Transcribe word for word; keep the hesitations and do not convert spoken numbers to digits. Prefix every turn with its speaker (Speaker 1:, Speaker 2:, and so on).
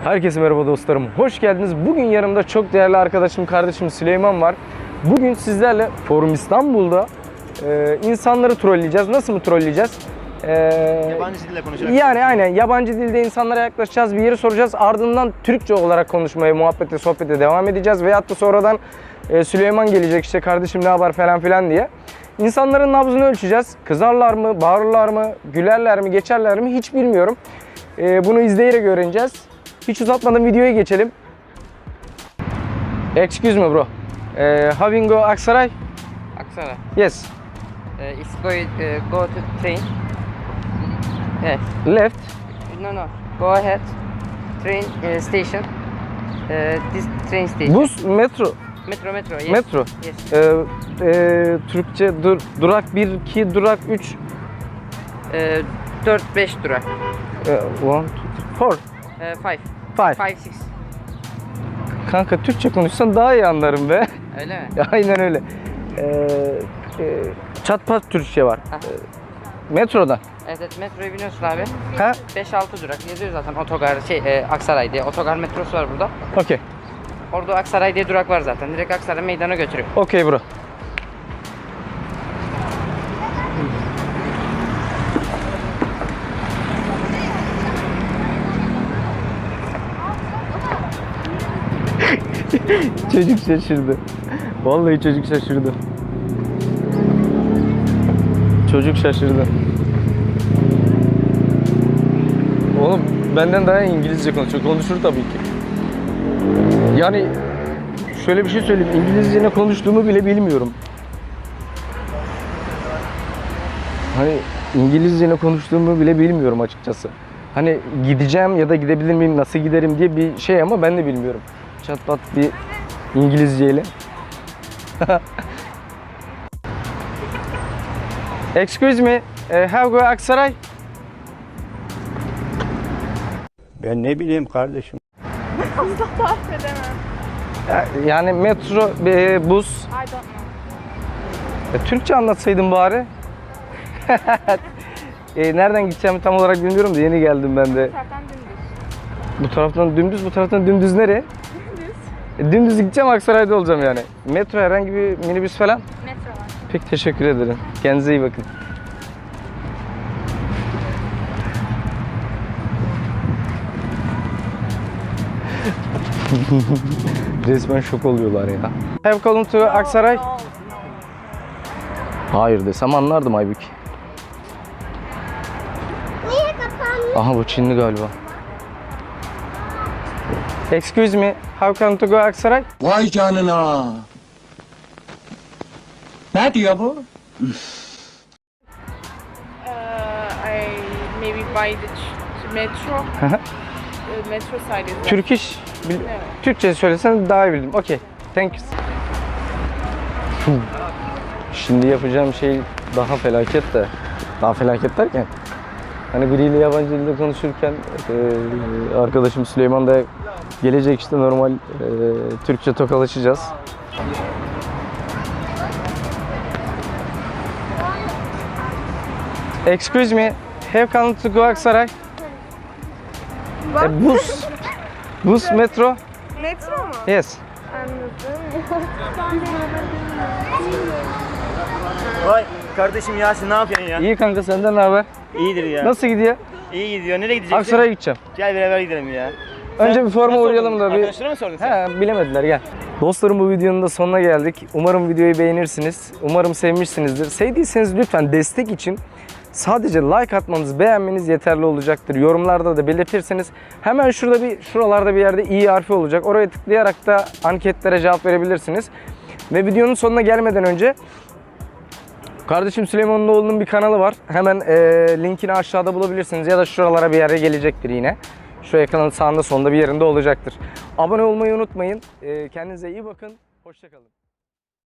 Speaker 1: Herkese merhaba dostlarım. Hoş geldiniz. Bugün yanımda çok değerli arkadaşım, kardeşim Süleyman var. Bugün sizlerle Forum İstanbul'da e, insanları trolleyeceğiz. Nasıl mı trolleyeceğiz? E,
Speaker 2: Yabancı dille konuşarak.
Speaker 1: Yani aynen yabancı dilde insanlara yaklaşacağız, bir yeri soracağız. Ardından Türkçe olarak konuşmaya, muhabbete, sohbete devam edeceğiz. Veyahut da sonradan e, Süleyman gelecek işte kardeşim ne haber falan filan diye. İnsanların nabzını ölçeceğiz. Kızarlar mı, bağırırlar mı, gülerler mi, geçerler mi hiç bilmiyorum. E, bunu izleyerek öğreneceğiz. Hiç uzatmadan videoya geçelim. Excuse me bro. Uh, how you go Aksaray?
Speaker 3: Aksaray.
Speaker 1: Yes.
Speaker 3: Uh, it's going uh, go to train. Yes.
Speaker 1: Left.
Speaker 3: No no. Go ahead. Train uh, station. Uh, this train station.
Speaker 1: Bus, metro.
Speaker 3: Metro metro. Yes.
Speaker 1: Metro.
Speaker 3: Yes.
Speaker 1: Ee, e, Türkçe dur, durak bir, iki, durak üç.
Speaker 3: Uh, dört beş durak.
Speaker 1: E, one, two, three, four.
Speaker 3: Uh, five.
Speaker 1: Five.
Speaker 3: Five six.
Speaker 1: Kanka Türkçe konuşsan daha iyi anlarım be.
Speaker 3: Öyle mi?
Speaker 1: Aynen öyle. Ee, e, çat pat Türkçe var.
Speaker 3: Hah.
Speaker 1: Ee, metroda.
Speaker 3: Evet, evet metroya biniyorsun abi.
Speaker 1: Ha?
Speaker 3: beş altı durak yazıyor zaten otogar şey e, Aksaray diye otogar metrosu var burada.
Speaker 1: Okey.
Speaker 3: Orada Aksaray diye durak var zaten. Direkt Aksaray meydana götürüyor.
Speaker 1: Okey bro. Çocuk şaşırdı. Vallahi çocuk şaşırdı. Çocuk şaşırdı. Oğlum benden daha iyi İngilizce konuşuyor. Konuşur tabii ki. Yani şöyle bir şey söyleyeyim. İngilizce ne konuştuğumu bile bilmiyorum. Hani İngilizce ne konuştuğumu bile bilmiyorum açıkçası. Hani gideceğim ya da gidebilir miyim, nasıl giderim diye bir şey ama ben de bilmiyorum. Çat pat bir İngilizceyle. Excuse me, uh, how go Aksaray?
Speaker 2: Ben ne bileyim kardeşim.
Speaker 4: Asla tarif edemem.
Speaker 1: Yani metro, e, bus.
Speaker 4: I don't know.
Speaker 1: E, Türkçe anlatsaydın bari. e, nereden gideceğimi tam olarak bilmiyorum da yeni geldim ben de.
Speaker 4: Taraftan dümdüz.
Speaker 1: Bu taraftan dümdüz, bu taraftan dümdüz nereye?
Speaker 4: Dümdüz.
Speaker 1: E, dümdüz gideceğim, Aksaray'da olacağım yani. Metro, herhangi bir minibüs falan.
Speaker 4: Metro var.
Speaker 1: Pek teşekkür ederim. Kendinize iyi bakın. Resmen şok oluyorlar ya. Have come to Aksaray?
Speaker 4: No, no.
Speaker 1: Hayır desem anlardım Aybük.
Speaker 4: Niye kapandı?
Speaker 1: Aha bu Çinli galiba. Excuse me, how come to go Aksaray?
Speaker 5: Vay canına. Ne diyor bu?
Speaker 4: Uh, I maybe by the ch- metro. uh, metro side is there.
Speaker 1: Türk iş, bil-
Speaker 4: Evet.
Speaker 1: Türkçe söylesen daha iyi bildim. Okey, thank you. Fuh. Şimdi yapacağım şey daha felaket de. Daha felaket derken hani biriyle yabancı dilde konuşurken e, arkadaşım Süleyman da gelecek işte normal e, Türkçe tokalaşacağız. Excuse me, have come to go Aksaray? E, bus, bus, metro,
Speaker 4: Metro mu?
Speaker 1: yes.
Speaker 4: Anladım.
Speaker 2: Vay kardeşim Yasin ne yapıyorsun ya?
Speaker 1: İyi kanka, senden ne haber?
Speaker 2: İyidir ya.
Speaker 1: Nasıl gidiyor?
Speaker 2: İyi gidiyor. Nereye gideceksin?
Speaker 1: Aksaray'a gideceğim.
Speaker 2: Gel beraber gidelim ya.
Speaker 1: Önce bir forma
Speaker 2: Nasıl
Speaker 1: uğrayalım
Speaker 2: sordun?
Speaker 1: da bir...
Speaker 2: Arkadaşlara mı sordun sen?
Speaker 1: He, bilemediler, gel. Dostlarım, bu videonun da sonuna geldik. Umarım videoyu beğenirsiniz. Umarım sevmişsinizdir. Sevdiyseniz lütfen destek için sadece like atmanız, beğenmeniz yeterli olacaktır. Yorumlarda da belirtirseniz hemen şurada bir, şuralarda bir yerde i harfi olacak. Oraya tıklayarak da anketlere cevap verebilirsiniz. Ve videonun sonuna gelmeden önce kardeşim Süleyman'ın oğlunun bir kanalı var. Hemen e, linkini aşağıda bulabilirsiniz ya da şuralara bir yere gelecektir yine. Şu ekranın sağında solunda bir yerinde olacaktır. Abone olmayı unutmayın. E, kendinize iyi bakın. Hoşça kalın.